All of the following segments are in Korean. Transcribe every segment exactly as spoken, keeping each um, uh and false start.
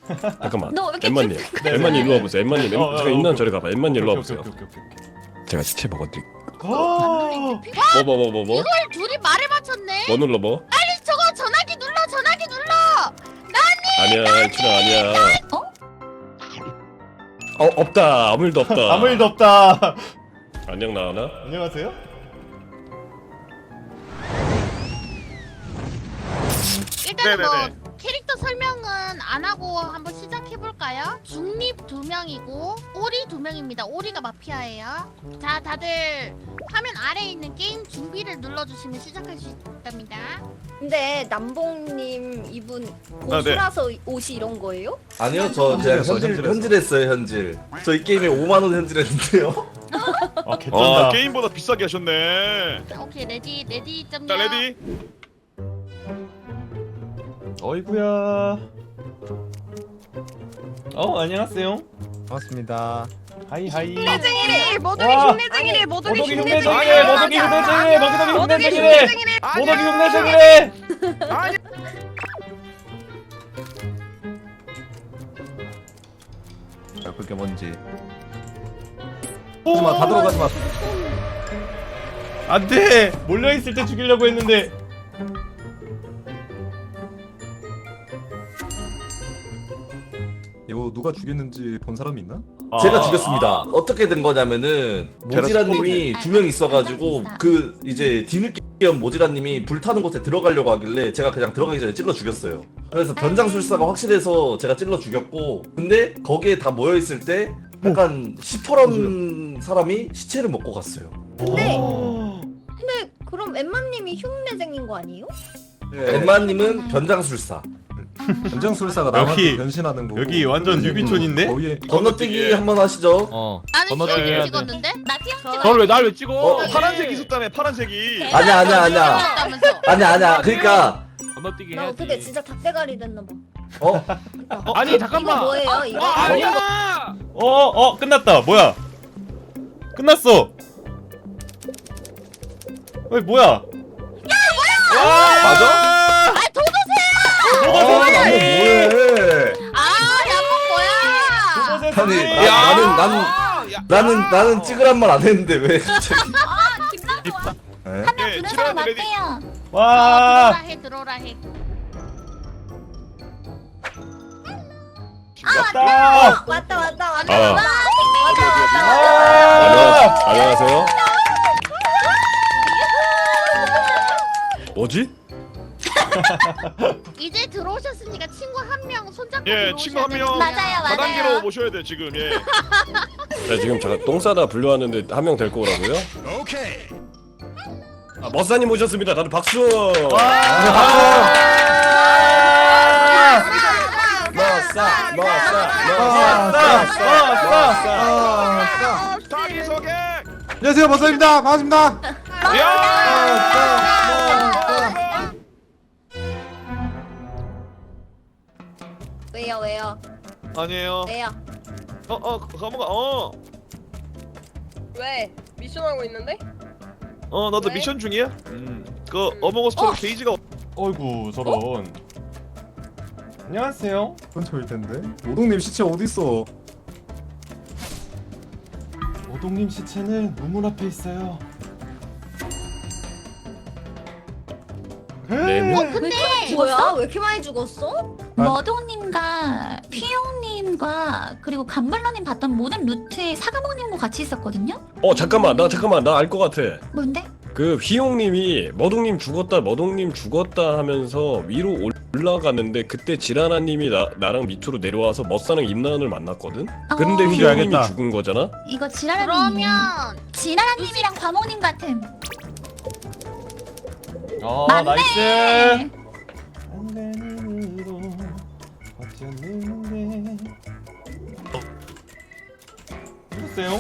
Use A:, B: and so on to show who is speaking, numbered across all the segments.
A: 잠깐만.
B: 너 왜 이렇게
A: 엠마님,
B: 찝찝해?
A: 엠마님 일로 와보세요. 엠마님, 엠-
C: 어, 어,
A: 제가
C: 어,
A: 있는
C: 오케이.
A: 저리 가봐. 엠마님 일로
C: 오케이,
A: 와보세요.
C: 오케이, 오케이, 오케이, 오케이.
A: 제가 시체 먹어드릴.
C: 아!
A: 뭐 뭐 뭐 뭐 뭐?
D: 이걸 둘이 말을 맞췄네.
A: 뭐 눌러 뭐?
D: 빨리 저거 전화기 눌러, 전화기 눌러.
A: 아니야, 이춘아 아니야.
B: 어?
A: 어 없다. 아무 일도 없다.
C: 아무 일도 없다.
A: 안녕 나은아.
C: 안녕하세요.
D: 일단은
E: 네네네.
D: 뭐 캐릭터 설명은 안 하고 한번 시작해 볼까요? 중립 두 명이고 오리 두 명입니다. 오리가 마피아예요. 자, 다들 화면 아래에 있는 게임 준비를 눌러주시면 시작할 수 있답니다.
F: 근데 남봉님 이분
E: 아, 네.
F: 고수라서 옷이 이런 거예요?
G: 아니요, 저 그냥
A: 현질했어,
G: 현질
A: 현질했어.
G: 현질했어요, 현질. 저 이 게임에 오만 원 현질했는데요.
C: 아 개쩐다.
E: 아 게임보다 비싸게 하셨네.
D: 자, 오케이 레디 레디 점요.
E: 자 레디.
C: 어이구야. 어 안녕하세요.
H: 반갑습니다.
C: 하이 하이.
F: 흉내쟁이래! 모두기
C: 와.
F: 흉내쟁이래! 모두기
C: 모독이
F: 흉내쟁이래!
C: 흉내쟁이래. 모독이 흉내쟁이래. 모독이
F: 모독이
C: 흉내쟁이래.
F: 흉내쟁이래!
C: 모독이 흉내쟁이래.
E: 아니.
H: 자, 그게 뭔지.
C: 오.
H: 다 들어가지 마.
C: 안돼. 몰려 있을 때 죽이려고 했는데.
H: 이거 누가 죽였는지 본 사람이 있나?
G: 제가
C: 아.
G: 죽였습니다. 어떻게 된 거냐면은 모지라님이 두 명 있어가지고 그 이제 뒤늦게 모지라님이 불타는 곳에 들어가려고 하길래 제가 그냥 들어가기 전에 찔러 죽였어요. 그래서 변장술사가 확실해서 제가 찔러 죽였고, 근데 거기에 다 모여 있을 때 약간 시퍼런 사람이 시체를 먹고 갔어요.
F: 근데
C: 오.
F: 근데 그럼 엠마님이 흉내쟁인 거 아니에요?
G: 엠마님은 변장술사.
H: 변장술사가
C: 여기-
H: 남한테 변신하는 거고.
C: 여기 완전 유비촌인데?
H: 거기에
G: 건너뛰기 한번 하시죠.
H: 어.
D: 나는
H: 건너뛰기
D: 시험
H: 해야 돼.
D: 찍었는데.
B: 나 티어
D: 저-
B: 찍어.
E: 널 왜 날 왜 찍어?
G: 어?
E: 파란색 있었다며 파란색이.
G: 아니야, 아니야, 아니야.
D: 찍었다면서.
G: 아니야, 아니야. 그러니까
E: 건너뛰기
F: 나 어떻게 진짜 닭대가리 됐나 봐.
G: 어?
E: 아니
F: 이거 뭐예요? 이거?
E: 아 아니야.
C: 어, 어, 끝났다. 뭐야? 끝났어. 어이, 뭐야? 야, 뭐야?
G: 맞아?
D: 아, 도도새야!
G: 아, 나는 뭐해?
D: 아, 야목 뭐야?
G: 아니,
C: 야.
G: 나, 나는 나는
E: 아, 야.
G: 나는 나는 찍으란 말 안 했는데 왜 갑자기?
B: 아, 김남도
G: 에?
B: 한명
E: 예,
B: 부른
E: 치료해야
B: 사람
E: 돼, 레디.
B: 맞대요.
D: 들어오라
C: 와.
D: 해, 들어오라 해.
C: 왔다.
F: 왔다 왔다 왔다
A: 아.
F: 왔다 왔다
C: 아.
A: 안녕하세요. 뭐지?
D: 이제 들어오셨으니까 친구 한 명 손잡고
E: 예,
D: 들어오셔야
E: 친구 한 명.
D: 됩니다.
B: 맞아요, 맞아요.
E: 다단계로 모셔야 돼 지금. 예.
A: 자 지금 잠깐 똥 싸다 불려왔는데 한 명 될 거라고요? 오케이. 아, 머사님 오셨습니다. 다들 박수. 머사, 머사, 머사,
E: 자기 소개.
H: 안녕하세요, 머사입니다. 반갑습니다.
E: 야.
F: 왜요 왜요
E: 아니에요.
F: 왜요
E: 어어 가모가 어.
I: 왜? 미션하고 있는데?
E: 어 나도
I: 왜?
E: 미션 중이야. 음. 그 어몽어스처럼 게이지가
C: 어이구, 저런. 안녕하세요.
H: 근처일 텐데. 노동님 시체 어디 있어?
C: 오동님 시체는 문문 앞에 있어요.
A: 네, 뭐?
F: 뭐야? 왜 이렇게 많이 죽었어?
B: 머동님과 피용님과 그리고 감블러님 봤던 모든 루트에 사과목님과 같이 있었거든요?
A: 어 잠깐만 나 잠깐만 나 알 것 같아.
B: 뭔데?
A: 그 휘용님이 머동님 죽었다 머동님 죽었다 하면서 위로 올라갔는데 그때 지라나님이 나, 나랑 밑으로 내려와서 머싸랑 임나은을 만났거든? 근데
B: 어,
A: 휘용님이
H: 알겠다.
A: 죽은 거잖아?
B: 이거 지라라님.
D: 그러면
B: 지라라님이랑 과목님 같음.
C: 어,
B: 맞네.
C: 나이스. 안간힘으로 버텼는데. 누구세요?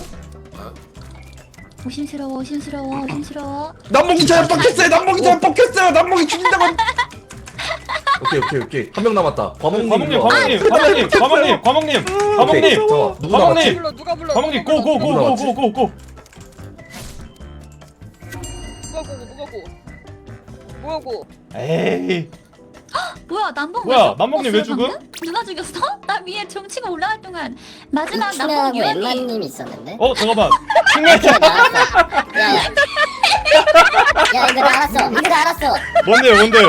B: 오심스러워, 오심스러워, 오심스러워.
G: 남봉이 잘 뻑혔어요. 남봉이 잘 뻑혔어요. 남봉이 죽인다고. 오케이 오케이 오케이 한 명 남았다. 과목님.
C: 과목님,
G: 일로 와.
C: 과목님, 과목님, 과목님, 과목님,
G: 오케이,
C: 과목님,
G: 잠깐만 누구
C: 과목님.
G: 남았지?
I: 불러 누가 불러?
C: 과목님,
I: 누가 불러?
C: 고고 고 고 고 고 고.
I: 누가 고고 누가 고? 뭐야 고?
C: 에이.
B: 뭐야 남봉
C: 뭐야,
B: 왜 죽-
C: 남봉님 왜
B: 죽었어요,
C: 죽음?
B: 방금? 누가 죽였어? 나 위에 정치가 올라갈 동안 마지막
J: 이춘하고
B: 남봉 유언이
J: 웬만님이 있었는데?
C: 어 잠깐만. 핑맨
J: 야야 야 이거 나 알았어 이거 나 알았어
C: 뭔데요 뭔데요?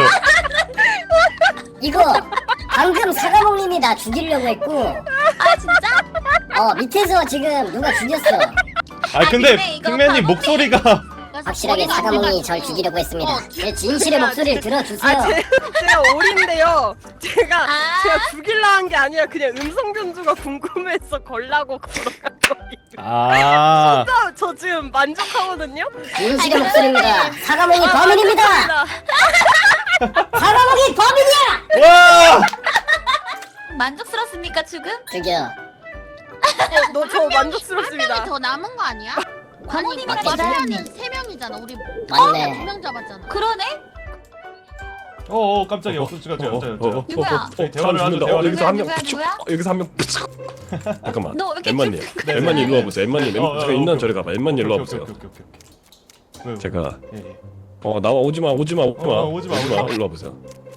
J: 이거 방금 사과목님이 나 죽이려고 했고
B: 아 진짜?
J: 어 밑에서 지금 누가 죽였어
C: 아 근데
B: 근데 이거
C: 핑맨님
B: 방법이-
C: 목소리가
J: 확실하게 사과목이 절 죽이려고 했습니다
D: 어,
J: 제 진실의 목소리를 들어주세요
I: 아 제, 제가 오리인데요. 제가
B: 아.
I: 제가 죽일라 한 게 아니라 그냥 음성 변조가 궁금해서 걸라고 걸어간 거예요.
C: 아
I: 저, 저 지금 만족하거든요.
J: 진실의 목소리입니다 사과목이 범인입니다 사과목이 범인이야
C: 와!
B: 만족스럽습니까 죽음?
J: 죽여
I: 너 저
D: 한
I: 만족스럽습니다.
D: 명이 더 남은 거 아니야?
B: 광호님이랑
J: 맞아.
D: 마피아는 세 명이잖아. 우리
J: 맞네
D: 두 명 잡았잖아.
B: 그러네?
C: 어어 깜짝이야. 없어 지가
A: 어,
C: 제가
A: 어,
C: 제가
A: 어,
C: 제가.
A: 어,
B: 누구야?
A: 어, 어,
C: 저희 대화를
A: 사람
C: 하죠,
A: 죽는다. 어,
C: 대화를.
A: 여기서 한 명
B: 누구야,
A: 푸축.
B: 누구야?
A: 어, 여기서 한 명 푸축. 잠깐만.
B: 너 왜 이렇게
A: 엠마님,
B: 쭉-
A: 엠마님 일로 와보세요. 엠마님,
C: 어, 어,
A: 제가
C: 어,
A: 있는
C: 오케이.
A: 저리 가봐. 엠마님 일로
C: 오케이,
A: 와보세요.
C: 오케이, 오케이, 오케이, 오케이. 왜요?
A: 제가
C: 예, 예.
A: 어 나와 오지마 오지마 오지마
C: 어, 오지마,
A: 오지마
C: 오지마.
A: 일로 와보세요.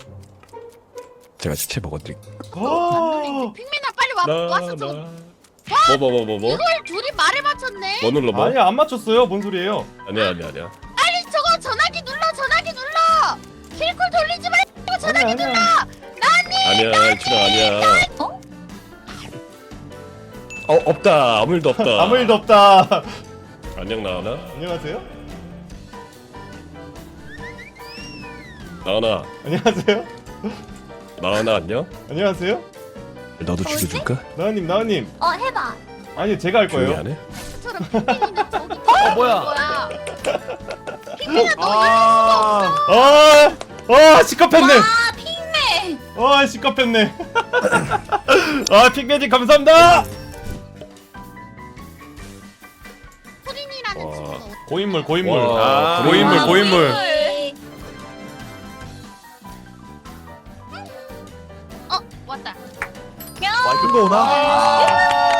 A: 제가 시체 먹어드릴게요.
C: 아,
D: 핑민아 빨리 와 왔어. 저
A: 뭐뭐 뭐 뭐 뭐?
D: 이걸 둘이 말을 맞췄네.
A: 뭐 눌러 봐.
C: 아니야 안 맞췄어요. 뭔 소리예요?
A: 아니야 아니야 아니야.
D: 빨리 저거 전화기 눌러. 전화기 눌러. 킬쿨 돌리지 말고 전화기
C: 아니야,
D: 눌러.
C: 아니야.
A: 아니야 이춘아 아니야.
B: 어?
A: 어 없다 아무 일도 없다.
C: 아무 일도 없다.
A: 안녕 나은아.
C: 안녕하세요.
A: 나은아
C: 안녕하세요.
A: 나은아 안녕.
C: 안녕하세요.
A: 너도
B: 뭐지?
A: 죽여줄까?
C: 나은님 나은님.
B: 어 해봐.
C: 아니 제가 할
A: 조용히
C: 거예요.
A: 안 해?
D: 처럼 핑민이는 저기
E: 어 뭐야?
D: 뭐야? 핑민아 너
H: 아,
C: 아, 아 시끄럽네.
B: 아 핑맨.
C: 아 시끄럽네. 아 핑맨님 감사합니다.
D: 소린이라는
A: 와.
D: 친구가
C: 고인물 고인물.
A: 와,
C: 아, 고인물
B: 아,
C: 고인물.
D: 어 왔다.
H: 이거 오나?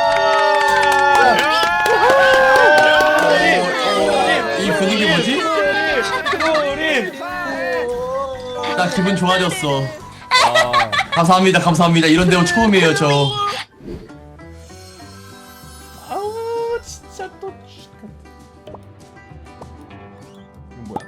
C: 이 분위기 뭐지? 트롤인.
K: 나 기분 좋아졌어.
C: 아,
K: 감사합니다, 감사합니다. 이런 데오 처음이에요, 저.
C: 아우 진짜 또. 이거 뭐야?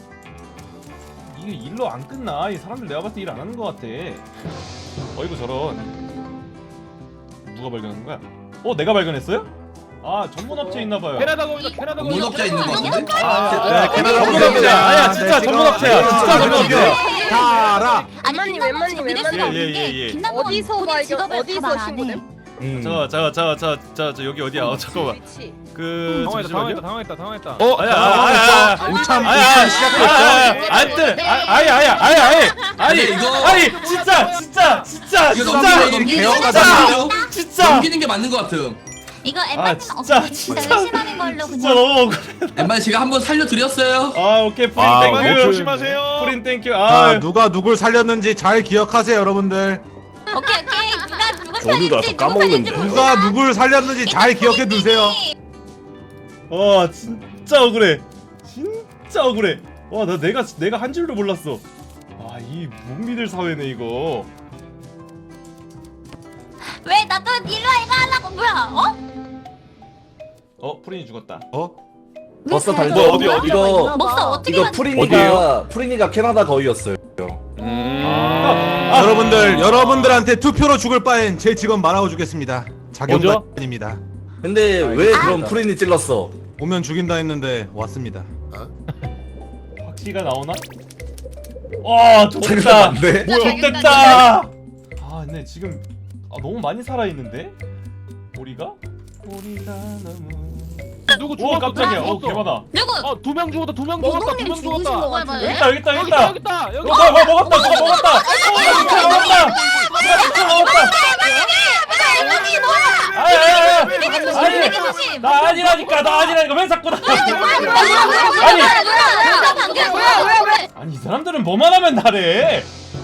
C: 이게 일로 안 끝나. 이 사람들 내가 봤을 때 일 안 하는 것 같아. 어이구 저런. 누가 발견한 거야? 어 내가 발견했어요? 아 전문 업체 있나 봐요.
E: 캐나다 거기다 캐나다 거기다.
K: 문업자 있는 거 같은데?
C: 아, 전문 업체야. 아야 진짜 전문 업체야. 진짜 전문 업체야.
H: 다 알아.
B: 아니
I: 웬만님,
B: 김남봉
I: 웬만님,
B: 씨가 믿을 수가
I: 웬만님.
B: 없는
C: 예, 예,
B: 게
C: 예.
B: 김남봉
I: 어디서
B: 본인
I: 발견-
B: 직업을
I: 어디서
B: 다 말 안 해.
I: 신고됨?
H: 음.
C: 자자자자자자 여기 어디야? 어 잠깐만.
I: 위치.
C: 그
E: 당황했다
C: 잠시만요.
E: 당황했다 당황했다 당황했다.
C: 어 아야 아야 아야
H: 오참
C: 아야 아야 안돼 아야 아야 아야 아야 아니
K: 근데 이거-
C: 아니 진짜 진짜 진짜
K: 이거
C: 진짜
K: 넘기는 넘기는 게
H: 개혁하자.
K: 맞아요?
C: 진짜
K: 넘기는 게 맞는 것 같음.
B: 이거
C: 아,
B: 엠마님
C: 진짜,
B: 어, 진짜
C: 진짜.
B: 의심하는 걸로
C: 진짜
B: 그냥.
C: 너무 억울해.
K: 엠마 제가 한번 살려드렸어요.
C: 아 오케이 프린
H: 아,
C: 땡큐
H: 오케이.
E: 조심하세요.
C: 프린 땡큐
H: 자,
C: 아
H: 누가 누굴 살렸는지 잘 기억하세요, 여러분들.
B: 오케이 오케이 누가 누구
A: 어디
B: 살인지
A: 가서
B: 누구
A: 까먹는데.
B: 살인지
H: 누가 누굴 살렸는지 잘 기억해 두세요.
C: 와 진짜 억울해 진짜 억울해 와 나 내가 내가 한 줄도 몰랐어 아이 못 믿을 사회네 이거
B: 왜 나도 일로 와 이거 하려고 뭐야 어?
C: 어 프린이 죽었다
H: 어?
G: 버스 달고
A: 뭐, 어디, 어디?
G: 이거
B: 목사 어떻게
G: 이거
B: 맞
G: 프리니가 프리니가 캐나다 거위였어요.
C: 아,
H: 여러분들, 여러분들한테 투표로 죽을 바엔 제 직업 말하고 주겠습니다.
E: 뭐죠?
H: 자경단입니다.
G: 근데 왜 그럼 프리니 찔렀어?
H: 오면 죽인다 했는데 왔습니다.
C: 확시가 나오나? 와
G: 잠깐
C: 좋겠다
G: 안 돼?
C: 좋겠다 아 근데 지금 아, 너무 많이 살아있는데? 우리가? 우리가 너무
E: 누구
C: 오
E: 죽었어?
C: 깜짝이야
E: 누구
C: 오
E: 죽었어?
C: 개많아
B: 누구?
E: 어두 명 죽었다 두 명 죽었다 두
F: 모동님
E: 명
F: 죽으신
E: 죽었다.
F: 거 같은데?
C: 여기 있다 여기 있다 여기
E: 여기 있다
C: 있다
E: 여기 있다 여기
C: 어, 뭐야 뭐야 먹었다 누가 먹었다 누가 진짜 먹었다 누가 진짜 먹었다 아야야야 아니 나 아니라니까 나 아니라니까 왜 자꾸 나 아니 아니 이 사람들은 뭐만 하면 나래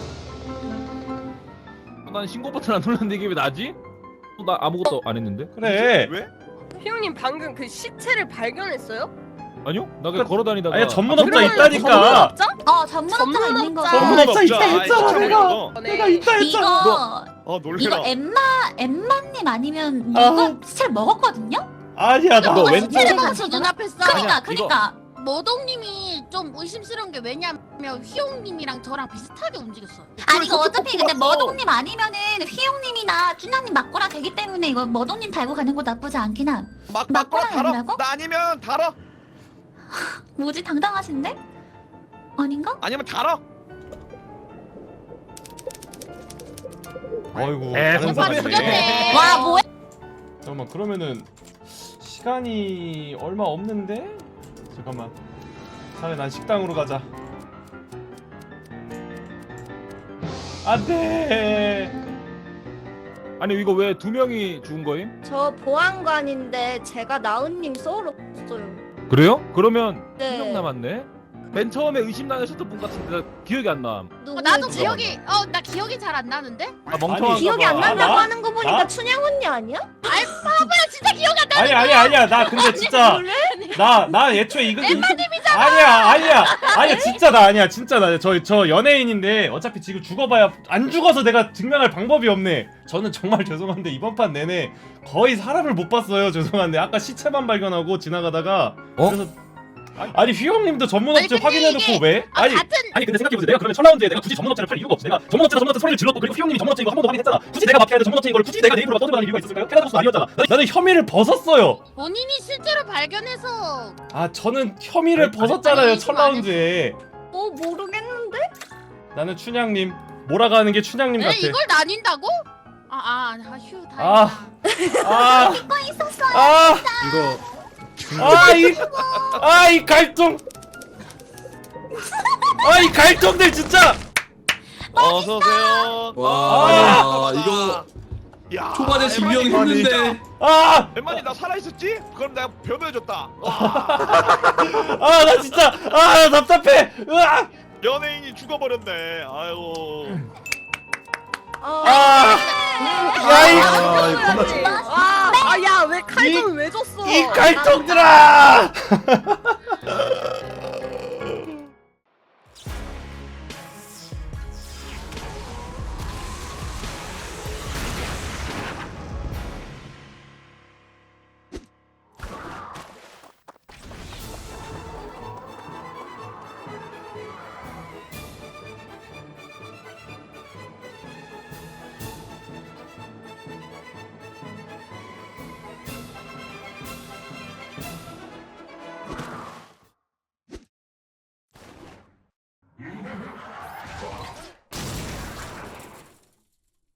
E: 난 신고 버튼 안 눌렀는데 이게 왜 나지? 어, 나 아무것도 안 했는데.
C: 그래
E: 왜?
I: 피용님 방금 그 시체를 발견했어요?
E: 아니요? 나 그냥 걸어다니다가
C: 아니 전문업자
I: 그러면
C: 있다니까.
B: 어 전문업자가 있는 거.
C: 전문업자 있다
I: 아이,
C: 했잖아
I: 저거.
C: 내가.
I: 네.
C: 내가 있다 했잖아.
B: 이거
E: 어
B: 이거 엠마 엠마님 아니면
C: 아.
B: 이거 시체를 먹었거든요?
C: 아니야 나.
E: 너 왼-
B: 시체를
D: 제가
B: 먹었어
D: 저 눈앞에서
B: 그니까
E: 아니야,
B: 그니까.
D: 모동님이 좀 의심스러운 게 왜냐면 휘용님이랑 저랑 비슷하게 움직였어요.
B: 아니 이거 어차피 근데 머동님 아니면은 휘용님이나 쭈나님 맞고라 되기 때문에 이거 머동님 달고 가는 거 나쁘지 않긴 함.
E: 막
B: 맞거나 아니라고?
E: 나 아니면 달아.
B: 뭐지 당당하신데? 아닌가?
E: 아니면 달아.
C: 어이구.
E: 에,
C: 다른
E: 오빠
C: 사람이네.
D: 죽였네.
B: 와 뭐야?
C: 잠깐만 그러면은 시간이 얼마 없는데? 잠깐만. 차라리 난 식당으로 가자. 안돼.
E: 아니 이거 왜 두 명이 죽은 거임?
F: 저 보안관인데 제가 나은님 썰었어요.
E: 그래요? 그러면
F: 네.
E: 두 명 남았네. 맨 처음에 의심 나셨던 분 같은데 나 기억이 안 남.
D: 어, 나도
F: 누구지?
D: 기억이 어 나 기억이 잘 안 나는데?
E: 아 멍청한
C: 아니,
F: 기억이 안
C: 아,
F: 난다고
C: 나?
F: 하는 거 보니까
C: 나?
F: 춘향 언니 아니야?
D: 아이 바보야 진짜 기억 안 나.
C: 아니 아니 아니야 나 근데 진짜 나 나 애초에 이거 엠마님이잖아. 아니야 아니야 아니야 진짜 나 아니야 진짜 나 저 저 연예인인데 어차피 지금 죽어봐야 안 죽어서 내가 증명할 방법이 없네. 저는 정말 죄송한데 이번 판 내내 거의 사람을 못 봤어요. 죄송한데 아까 시체만 발견하고 지나가다가
E: 어?
C: 그래서 아니 휘영님도 전문업체
D: 아니, 근데
C: 확인해놓고
D: 이게-
C: 왜?
D: 아,
C: 아니
D: 같은
C: 아니 근데 생각해보세요. 내가 그러면 첫 라운드에 내가 굳이 전문업체를 팔 이유가 없어. 내가 전문업체가 전문업체 소리를 질렀고 그리고 휘영님이 전문업체 이거 한 번도 확인했잖아. 굳이 내가 마피아인데 전문업체 이걸 굳이 내가 내 입으로 떠들어가는 이유가 있었을까요? 캐나다고서 아니었잖아. 나는, 나는 혐의를 벗었어요.
D: 본인이 실제로 발견해서
C: 아 저는 혐의를 벗었잖아요.
D: 아니,
C: 첫
D: 이거 안
C: 라운드에.
F: 어 모르겠는데?
C: 나는 춘향님 몰아가는 게 춘향님
D: 에
C: 같아.
D: 이걸 나뉜다고? 아아휴
C: 아.
D: 다행이다.
C: 아,
B: 이거 있었어요.
C: 아,
H: 이거
C: 아, 이, 아, 이 갈등. 아, 이 갈등들 진짜.
E: 어서 오세요.
K: 와 이거
E: 야.
K: 초반에 증명했는데
C: 아,
E: 엠마니 나 살아 있었지? 그럼 내가 변호해줬다.
C: 아, 나 진짜, 아, 나 답답해. 으아,
E: 연예인이 죽어버렸네. 아이고.
F: 어.
C: 아, 야, 이,
H: 아 이거 겁나
I: 와, 아야 왜 칼좀 왜 줬어?
C: 이 갈등들아.